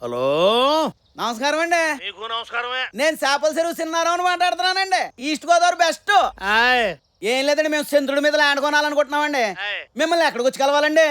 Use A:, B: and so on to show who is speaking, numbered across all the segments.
A: Hello,
B: నమస్కారం అండి.
A: మీకు నమస్కారమే.
B: నేను చేపల చెరువు సిన్నారావు మాట్లాడుతున్నానండి. East Godavari best.
A: ఆయ్
B: ఏం లేదండి, మేము చంద్రుడి మీద ల్యాండ్ కొనాలనుకుంటున్నామండి.
A: ఆయ్.
B: మిమ్మల్ని ఎక్కడికి వచ్చి కలవాలండి?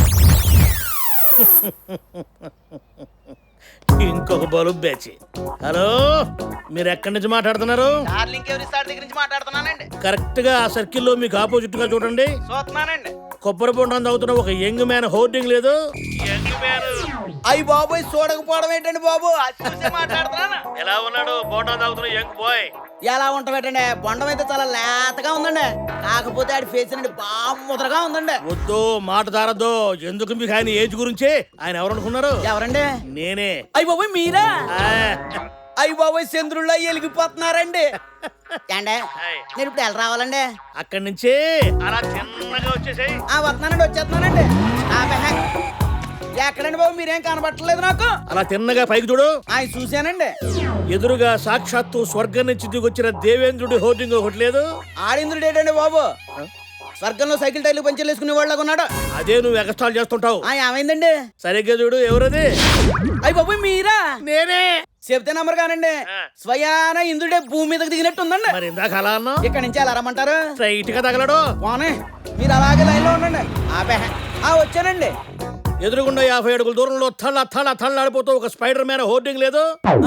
A: ఇంకొక బలు బ్యాచి. హలో, మీరు ఎక్కడి నుంచి మాట్లాడుతున్నారు?
B: డార్లింగ్ ఎవరి సార్ దగ్గర నుంచి మాట్లాడుతున్నానండి.
A: కరెక్ట్ గా ఆ సర్కిల్లో మీకు ఆపోజిట్ గా చూడండి.
B: చూస్తున్నానండి.
A: కొబ్బరి బొండం తాగుతున్న ఒక యంగ్ మ్యాన్ హోర్డింగ్ లేదు. యంగ్ మ్యాన్
B: అయ్యి బాబోయ్, చూడకపోవడం ఏంటండి బాబు? అది చూసి మాట్లాడుతున్నాను.
A: ఎలా ఉన్నాడు? బొండం తాగుతున్న యంగ్ బాయ్.
B: ఎలా ఉంటామేటండి? బొండం అయితే చాలా లేతగా ఉందండి. కాకపోతే ఆడి ఫేస్ అండి బాగా ముద్రగా ఉందండి.
A: వద్దు, మాట దారద్దు. ఎందుకు మీకు ఆయన ఏజ్ గురించి? ఆయన ఎవరు అనుకున్నారు?
B: ఎవరండి?
A: నేనే.
B: అయ్యి బాబోయ్, మీరా?
A: ఆ,
B: అయ్యి బాబోయ్, చంద్రుల్లో వెలిగిపోతున్నారండి. ఏండే,
A: ఆయ్.
B: నేను ఇప్పుడు ఎలా రావాలండి?
A: అక్కడి నుంచి అలా చిన్నగా వచ్చేసాయి.
B: వస్తున్నానండి, వచ్చేస్తున్నానండి. ఎక్కడండి బాబు? మీరేం కనబట్టలేదు నాకు.
A: అలా తిన్నగా పైకి చూడు.
B: ఆయన చూశానండి.
A: ఎదురుగా సాక్షాత్తు స్వర్గం నుంచి దిగొచ్చిన దేవేంద్రుడి హోర్డింగ్ ఒకటి లేదు.
B: ఆడింద్రుడు ఏంటండి బాబు? స్వర్గంలో సైకిల్ టైర్లు పంచర్లు వేసుకునే వాళ్ళగా ఉన్నాడు.
A: అదే నువ్వు ఎక్స్ట్రాల్ చేస్తుంటావు.
B: ఏమైందండి?
A: సరిగ్గా చూడు. ఎవరది?
B: అయ్యి బాబు, మీరా?
A: నేనే.
B: చెప్తే నమ్మరు కానండి. స్వయాన ఇంద్రుడే భూమి మీదకి దిగినట్టు ఉందండి.
A: మరి ఇందాక అలా అన్నా
B: ఇక్కడ నుంచి ఎలా రమ్మంటారు?
A: స్ట్రైట్ గా తగలడు.
B: పోనీ, మీరు అలాగే లైన్ లో ఉండండి. వచ్చానండి.
A: ఎదురుగుండా 50 అడుగుల దూరంలో థళ్ళాడిపోతూ ఒక స్పైడర్ మ్యాన్ హోర్డింగ్ లేదు.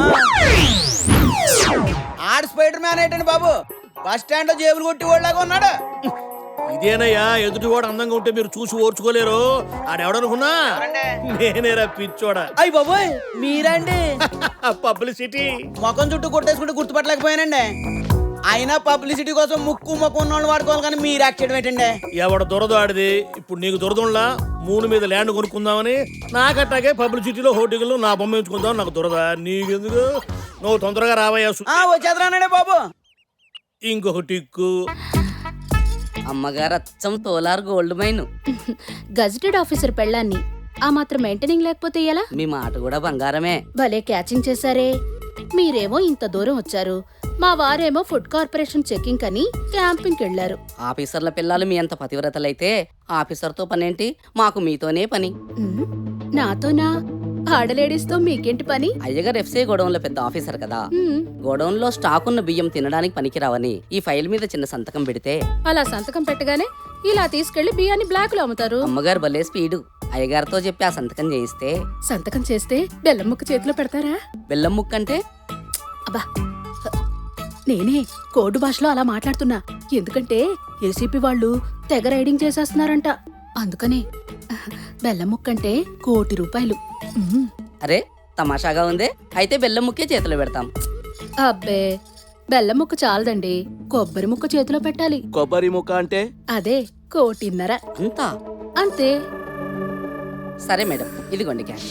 B: ఆడు స్పైడర్ మ్యాన్ ఏంటండి బాబు? బస్ స్టాండ్ లో జేబులు కొట్టి వాళ్ళగా ఉన్నాడు.
A: ఇదేనయ్యా, ఎదుటివాడు అందంగా ఉంటే మీరు చూసి ఓర్చుకోలేరు. ఆడెవడనుకున్నా నేనేరా పిచ్చోడా.
B: అయ్యి బాబోయ్, మీరండి?
A: పబ్లిసిటీ.
B: ముఖం చుట్టూ కొట్టేసుకుంటే గుర్తుపట్టలేకపోయానండి. అయినా పబ్లిసిటీ కోసం ముక్కు ముఖం ఉన్న వాళ్ళు వాడుకోవాలి, కానీ మీరు యాక్ట్ చేయడం ఏంటండి?
A: ఎవడ దొరదో ఆడిది. ఇప్పుడు నీకు దొరదంలా మూడు మీద ల్యాండ్ కొనుక్కుందామని, నాకట్టాగే పబ్లిసిటీలో హోర్డింగ్లు నా బొమ్మ ఎంచుకుందాం. నాకు దొరదా? నీకెందుకు? నువ్వు తొందరగా రావయ్యా.
B: వచ్చేద్రానండి బాబు.
A: ఇంకొక టిక్కు.
C: అమ్మగారు అచ్చం Kolar gold mine.
D: Gazetted officer పెళ్ళాన్ని ఆ మాత్రం మెయింటైనింగ్ లేకపోతే ఎలా?
C: మీ మాట కూడా బంగారమే.
D: భలే క్యాచింగ్ చేశారే. మీరేమో ఇంత దూరం వచ్చారు, మా వారేమో ఫుడ్ కార్పొరేషన్ చెకింగ్ అని క్యాంపింగ్కి వెళ్లారు.
C: ఆఫీసర్ల పిల్లలు మీ అంత పతివ్రతలైతే ఆఫీసర్తో పనేంటి? మాకు మీతోనే పని.
D: నాతోనా? ఆడలేడీస్తో మీకేంటి పని?
C: అయ్యగారు ఎఫ్సీ గోడౌన్లో పెద్ద ఆఫీసర్ కదా. గోడౌన్ లో స్టాక్ ఉన్న బియ్యం తినడానికి పనికిరావని ఈ ఫైల్ మీద చిన్న సంతకం పెడితే
D: అలా సంతకం పెట్టగానే ఇలా తీసుకెళ్లి బియ్యాన్ని బ్లాక్ లో అమ్ముతారు.
C: అమ్మగారు భలే స్పీడు. అయ్యగారితో చెప్పి ఆ సంతకం చేయిస్తే
D: సంతకం చేస్తే బెల్లం ముక్క చేతిలో పెడతారా?
C: బెల్లం ముక్క అంటే?
D: అబ్బా, నేనే కోడ్ భాషలో అలా మాట్లాడుతున్నా. ఎందుకంటే ఏసీపీ వాళ్ళు తెగ రైడింగ్ చేసేస్తున్నారంట. అందుకనే బెల్లం ముక్కంటే ₹1,00,00,000.
C: అరే తమాషాగా ఉందే. అయితే బెల్లం ముక్కే చేతిలో పెడతాం.
D: అబ్బే, బెల్లం ముక్క చాలదండి, కొబ్బరి ముక్క చేతిలో పెట్టాలి.
E: కొబ్బరి ముక్క అంటే?
D: అదే ₹1,50,00,000.
C: అంతా?
D: అంతే.
C: సరే మేడం, ఇదిగోండి క్యాష్.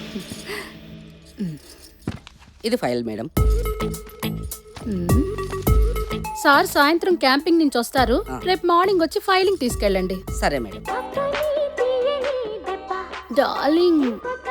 C: ఇది ఫైల్ మేడం.
D: సార్ సాయంత్రం క్యాంపింగ్ నుంచి వస్తారు. రేపు మార్నింగ్ వచ్చి ఫైలింగ్ తీసుకెళ్ళండి.
C: సరే మేడం.
D: డార్లింగ్,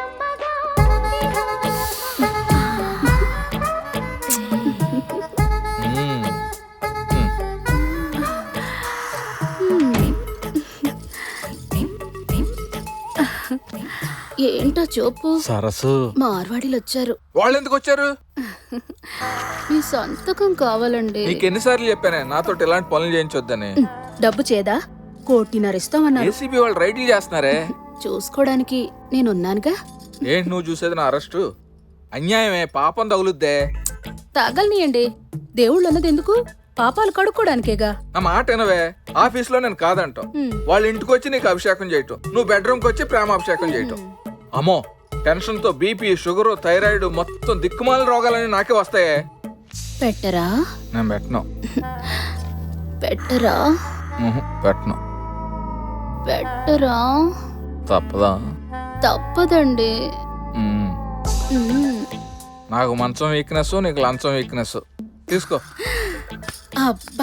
D: ఏంటో చూపు.
E: సరస్సు
D: మార్వాడీలు వచ్చారు.
F: వాళ్ళు ఎందుకు వచ్చారు?
D: మీ సంతకం కావాలండి.
F: నీకు ఎన్నిసార్లు చెప్పానే నాతో ఇలాంటి పనులు చేయించొద్దని?
D: డబ్బు చేదా? ₹1,50,00,000 ఇస్తామన్నారు.
F: ఏసీబీ వాళ్ళు రైడ్లు చేస్తున్నారే.
D: చూసుకోవడానికి నేనున్నానుగా.
F: ఏంటి నువ్వు చూసేది? నా అరెస్టు అన్యాయమే, పాపం తగులుద్దే.
D: తగలనియండి, దేవుళ్ళు అన్నది ఎందుకు? పాపాలు కడుక్కోడానికేగా.
F: నా మాట వినవే. ఆఫీస్ లో నేను కాదంటాం, వాళ్ళ ఇంటికి వచ్చి నీకు అభిషేకం చేయటం, నువ్వు బెడ్రూమ్ కి వచ్చి ప్రేమాభిషేకం చేయటం. అమ్మో, టెన్షన్ తో బీపీ, షుగర్, థైరాయిడ్ మొత్తం దిక్కుమాల రోగాలని నాకే వస్తాయే.
D: పెట్టరా?
F: నేను పెట్టను.
D: పెట్టరా?
F: పెట్టను.
D: పెట్టరా?
F: తప్పదా?
D: తప్పదండి.
F: నాకు మంచం వీక్నెస్, నీకు లంచం వీక్నెస్. తీసుకో.
D: అబ్బా,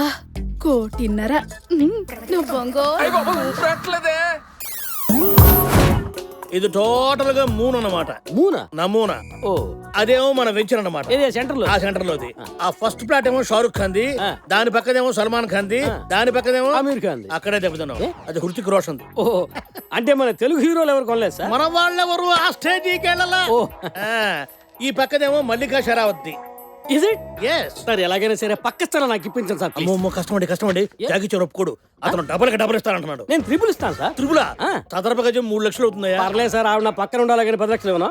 D: ₹1,50,00,000. నువ్వు బొంగో.
F: పెట్టలేదే.
A: ఇది టోటల్ గా మూన్ అన్నమాట.
E: మూనా?
A: నమూనా.
E: ఓ,
A: అదేమో మన వెంచర్ అన్నమాట.
E: ఏదే సెంటర్ లో?
A: ఆ సెంటర్ లోది. ఆ ఫస్ట్ ప్లాట్ ఏమో షారుఖ్ ఖాన్ ది, దాని పక్కదేమో సల్మాన్ ఖాన్ ది, దాని పక్కదేమో
E: ఆమీర్ ఖాన్ ది.
A: అక్కడే దెబ్బతున్నాం. అది హృతిక్ రోషన్ ది.
E: ఓ, అంటే మన తెలుగు హీరోలు ఎవరు కొనలేదు సార్?
A: మన వాళ్ళెవరు ఆ స్టేజీకి వెళ్ళాలా?
E: ఓ.
A: ఈ పక్కదేమో మల్లికా షరావత్ ది.
E: Is it?
A: ఎస్.
E: సార్ ఎలాగైనా సరే పక్క స్థలం నాకు ఇప్పించండి సార్ ప్లీజ్.
A: అమ్మో కష్టమండి జాగిచ్చారు ఒప్పుకోడు. అతను డబల్ ఇస్తానంటున్నాడు.
E: నేను ట్రిపుల్ ఇస్తాను సార్.
A: త్రిపుల
E: ఆ.
A: చదరపు గజం 3 లక్షలు అవుతుందయ్యా.
E: పర్లేదు సార్, ఆవిడ నా పక్కన ఉండాలి కానీ 10 లక్షలు ఇవ్వను.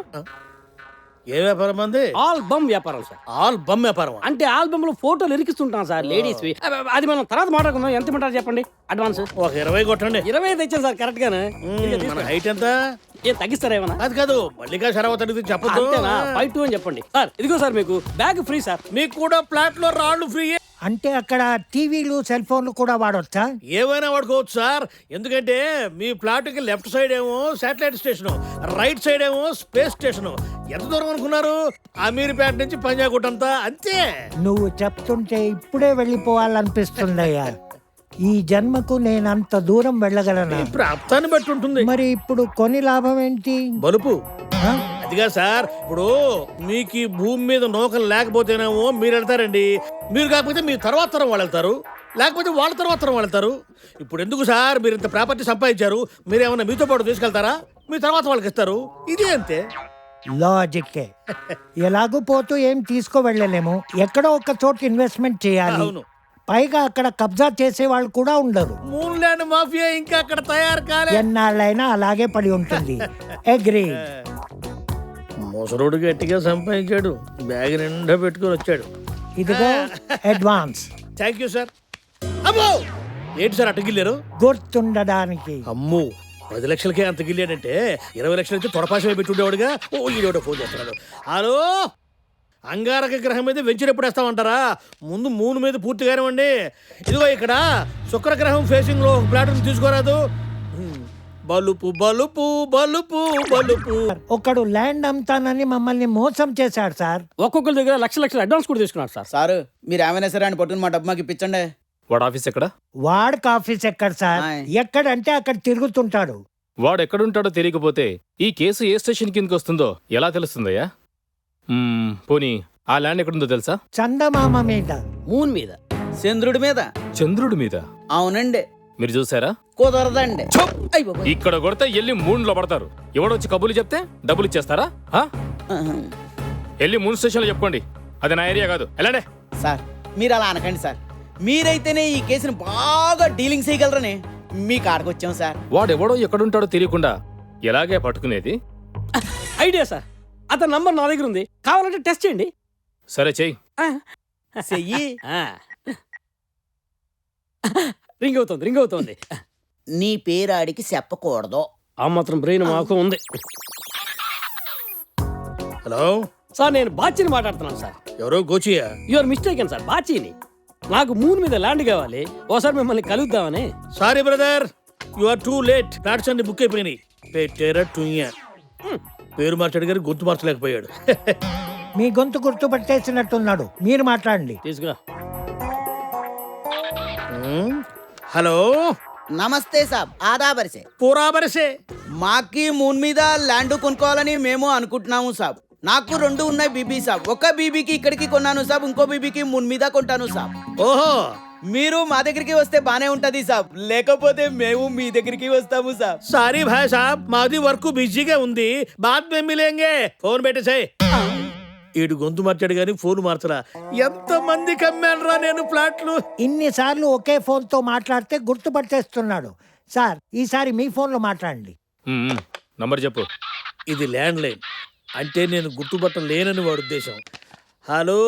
A: ఏ వ్యాపారం అంది?
E: ఆల్బమ్ వ్యాపారం సార్.
A: ఆల్ బమ్ వ్యాపారం.
E: అంటే ఆల్బమ్ లో ఫోటోలు ఇరికిస్తుంటాం సార్ లేడీస్. అది మనం తర్వాత మాట్లాడుకుందాం. ఎంత ఇమ్మంటారు చెప్పండి అడ్వాన్స్?
A: ఒక 20 కొట్టండి.
E: 25 తెచ్చాను సార్ కరెక్ట్ గానే.
A: మన హైట్ ఎంత?
E: ఏం తగ్గిస్తారా ఏమన్నా?
A: అది కాదు మల్లికా షరావత్ అడిగితే చెప్పదు.
E: అంతేనా? 5-2 అని చెప్పండి సార్. ఇదిగో సార్ మీకు బ్యాగ్ ఫ్రీ సార్.
A: మీకు కూడా ప్లాట్ లో రాళ్ళు ఫ్రీ.
G: అంటే అక్కడ టీవీలు సెల్ ఫోన్లు కూడా వాడొచ్చా?
A: ఏమైనా వాడుకోవచ్చు సార్. ఎందుకంటే మీ ప్లాట్ కి లెఫ్ట్ సైడ్ ఏమో శాటిలైట్ స్టేషన్, రైట్ సైడ్ ఏమో స్పేస్ స్టేషన్. ఎంత దూరం అనుకున్నారు? అమీర్పేట నుంచి పంజాగుట్ అంతా అంతే.
G: నువ్వు చెప్తుంటే ఇప్పుడే వెళ్ళిపోవాలనిపిస్తుందయ్యా. ఈ జన్మకు నేను అంత దూరం వెళ్ళగలనా?
A: ప్రాప్తాన్ని బట్టి ఉంటుంది.
G: మరి ఇప్పుడు కొని లాభం ఏంటి?
A: బలుపు.
G: ఆ?
A: అదిగా సార్, ఇప్పుడు మీకు ఈ భూమి మీద నౌకలు లేకపోతేనేమో మీరు వెళ్తారండి. మీరు కాకపోతే మీ తర్వాత తరం వాళ్ళు వెళ్తారు, లేకపోతే వాళ్ళ తర్వాత తరం వాళ్ళు వెళ్తారు. ఇప్పుడు ఎందుకు సార్ మీరు ఇంత ప్రాపర్టీ సంపాదించారు? మీరు ఏమన్నా మీతో పాటు తీసుకెళ్తారా? మీ తర్వాత వాళ్ళకి ఇస్తారు. ఇది అంతే.
G: లాజిక్కే. ఎలాగూ పోతూ ఏం తీసుకో వెళ్ళలేము. ఎక్కడో ఒక చోట ఇన్వెస్ట్మెంట్ చేయాలి.
A: అవును.
G: పైగా అక్కడ కబ్జా చేసే వాళ్ళు కూడా ఉండరు.
A: మూన్ ల్యాండ్ మాఫియా ఇంకా అక్కడ తయారు కాలే.
G: ఎన్నాళ్ళైనా అలాగే పడి ఉంటుంది. అగ్రీ.
A: ముసరుడు గట్టిగా సంపాదించాడు, బ్యాగ్ నిండా పెట్టుకొని వచ్చాడు.
G: ఇదిగో అడ్వాన్స్.
A: Thank you sir. అమ్మో ఏంటి సార్ అటగిల్లారు?
G: గుర్తుండడానికి.
A: అమ్ము 10 లక్షలకే అంత గిల్లాడంటే 20 లక్షలు అయితే తొడపాసమే పెట్టుండేవాడుగా. ఓ ఈడేవాడో ఫోన్ చేస్తున్నాడు. హలో, అంగారక గ్రహం మీద వెంచర్ ఎప్పుడు వేస్తామంటారా? ముందు మూన్ మీద పూర్తిగానే ఇవ్వండి. ఇదిగో ఇక్కడ శుక్రగ్రహం ఫేసింగ్ లో ఒక ప్లాట్ తీసుకోరాదు. బలుపు బలుపు బలుపు బలుపు.
G: ఒకడు ల్యాండ్ అమ్ముతానని మమ్మల్ని మోసం చేశాడు సార్.
E: ఒక్కొక్కరి దగ్గర లక్షలు అడ్వాన్స్ కూడా తీసుకున్నారు సార్.
B: సారు మీరు ఏమైనా సరే అని పట్టుకుని మా డబ్బు మాకు ఇప్పించండి.
H: వాడు ఆఫీస్ ఎక్కడ?
G: వాడికి ఆఫీస్ ఎక్కడ సార్?
B: ఆయ్.
G: ఎక్కడంటే అక్కడ తిరుగుతుంటాడు.
H: వాడు ఎక్కడుంటాడో తెలియకపోతే ఈ కేసు ఏ స్టేషన్ కిందకి వస్తుందో ఎలా తెలుస్తుందయ్యా? పోనీ ఆ ల్యాండ్ ఎక్కడుందో తెలుసా?
G: చందమామ మీద.
E: మూన్ మీద.
B: చంద్రుడి మీద.
H: చంద్రుడి మీద.
B: అవునండి.
H: మీరు చూసారా?
B: కుదరదండి. అయ్య బాబోయ్.
H: ఇక్కడ కొడితే ఎల్లి మూన్లో పడతారు. ఎవడొచ్చి కబుర్లు చెప్తే డబ్బులు ఇచ్చేస్తారా? ఎల్లి మూన్ స్టేషన్ లో చెప్పుకోండి. అది నా ఏరియా కాదు. ఎలాండే
B: సార్ మీరు అలా అనకండి సార్. మీరైతేనే ఈ కేసుని బాగా డీలింగ్ చేయగలరని మీ కాడకు వచ్చాం సార్.
H: వాడెవడో ఎక్కడుంటాడో తెలియకుండా ఎలాగే పట్టుకునేది?
E: Idea sir. అతని నంబర్ నా దగ్గర ఉంది, కావాలంటే టెస్ట్ చేయండి.
H: సరే చెయ్యి.
B: చెయ్యి.
E: రింగ్ అవుతోంది.
B: నీ పేరు ఆడికి చెప్పకూడదు.
E: ఆ మాత్రం బ్రెయిన్ మాకు ఉంది.
A: హలో
E: సార్ నేను బాచిని మాట్లాడుతున్నాను సార్.
A: ఎవరో గోచియా?
E: Your mistake sir. బాచిని. నాకు మూన్ మీద ల్యాండ్ కావాలి. ఓసారి మిమ్మల్ని కలుద్దామని.
A: Sorry brother, you are too late. Flats అన్ని బుక్ అయిపోయినాయి. పెట్టేరా టుయ్యా. పేరు మార్చాడు గారు గొంతు మార్చలేకపోయాడు.
G: మీ గొంతు గుర్తు పట్టేసినట్టున్నాడు. మీరు మాట్లాడండి.
E: తీసుకురా.
A: హలో
B: నమస్తే సాబ్. ఆదాబరిసే.
A: పూరా బరసే.
B: మాకి మూన్ మీద ల్యాండ్ కొనుక్కోవాలని మేము అనుకుంటున్నాము సాబ్. నాకు 2 ఉన్నాయి బీబీ సాబ్. ఒక బీబీకి ఇక్కడికి కొన్నాను సాబ్, ఇంకో బీబీకి మూన్ మీద కొంటాను సాబ్.
A: ఓహో,
B: మీరు మా దగ్గరికి వస్తే బానే ఉంటది సాబ్, లేకపోతే మేము మీ దగ్గరికి వస్తాము సాబ్.
A: సారీ భాయ్ సాబ్, మాది వర్క్ బిజీగా ఉంది. బాద్ మే మిలేంగే. ఫోన్ పెట్టేసాయి. ఈడు గొంతు మార్చాడు గానీ ఫోన్ మార్చరా. ఎంత మంది కమ్మానరా నేను ప్లాట్లు.
G: ఇన్నిసార్లు ఒకే ఫోన్ తో మాట్లాడితే గుర్తుపట్టేస్తున్నాడు. సార్ ఈసారి మీ ఫోన్ లో మాట్లాడండి.
H: నంబర్ చెప్పు.
A: ఇది ల్యాండ్ లైన్ అంటే నేను గుర్తుపట్టలేనని వాడు ఉద్దేశం. హలో,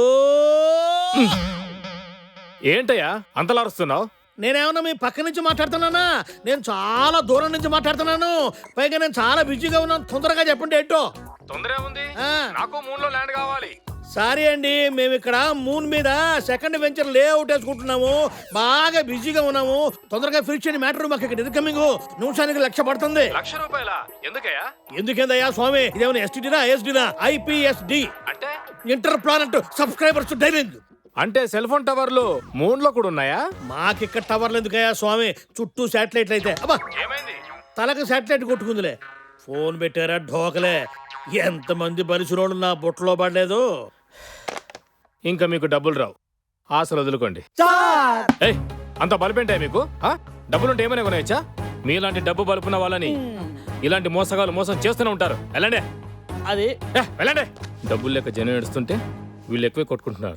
H: ఏంటయ్యా అంతలా అరుస్తున్నావు?
A: నేనేమన్నా మీ పక్క నుంచి మాట్లాడుతున్నానా? నేను చాలా దూరం నుంచి మాట్లాడుతున్నాను. పైగా నేను చాలా బిజీగా ఉన్నాను. తొందరగా చెప్పండి ఏంటో.
H: తొందర ఉంది.
A: ఆ.
H: నాకు మూన్ లో ల్యాండ్ కావాలి.
A: సారీ అండి, మేము ఇక్కడ మూన్ మీద సెకండ్ వెంచర్ లేఅవుట్ వేసుకుంటున్నాము. బాగా బిజీగా ఉన్నాము. తొందరగా ఫినిష్ చేయని మ్యాటర్. మాకు ఇక్కడ ఇన్కమింగ్ నిమిషానికి 1,00,000 పడుతుంది.
H: ₹1,00,000? ఎందుకయ్యా?
A: ఎందుకేందయ్యా స్వామి? ఇదేమైనా ఎస్టీడీనా ఐఎస్డీనా? IPSD
H: అంటే
A: ఇంటర్ ప్లానెట్ సబ్స్క్రైబర్స్ డైలింగ్.
H: అంటే సెల్ ఫోన్ టవర్లు మూన్ లో కూడా ఉన్నాయా?
A: మాకిక్కడ టవర్లు ఎందుకయ్యా స్వామి? చుట్టూ శాటిలైట్లు అయితే. అబ్బా
H: ఏమైంది?
A: తలకు శాటిలైట్ కొట్టుకుందిలే. ఫోన్ పెట్టారా ఢోకలే. ఎంతమంది బలిసినోళ్ళు నా బుట్టలో పడలేదు.
H: ఇంకా మీకు డబ్బులు రావు, ఆశలు వదులుకోండి.
G: సార్
H: ఏయ్, అంత బల్బేంటాయి మీకు? ఆ? డబ్బులుంటే ఏమైనా కొనేయచ్చా? మీలాంటి డబ్బు బలుపున్న వాళ్ళని ఇలాంటి మోసగాలు మోసం చేస్తూనే ఉంటారు. వెళ్ళండి,
E: అది
H: వెళ్ళండి. డబ్బులు లెక్క జనం ఏడుస్తుంటే వీళ్ళు ఎక్కువే కొట్టుకుంటున్నారు.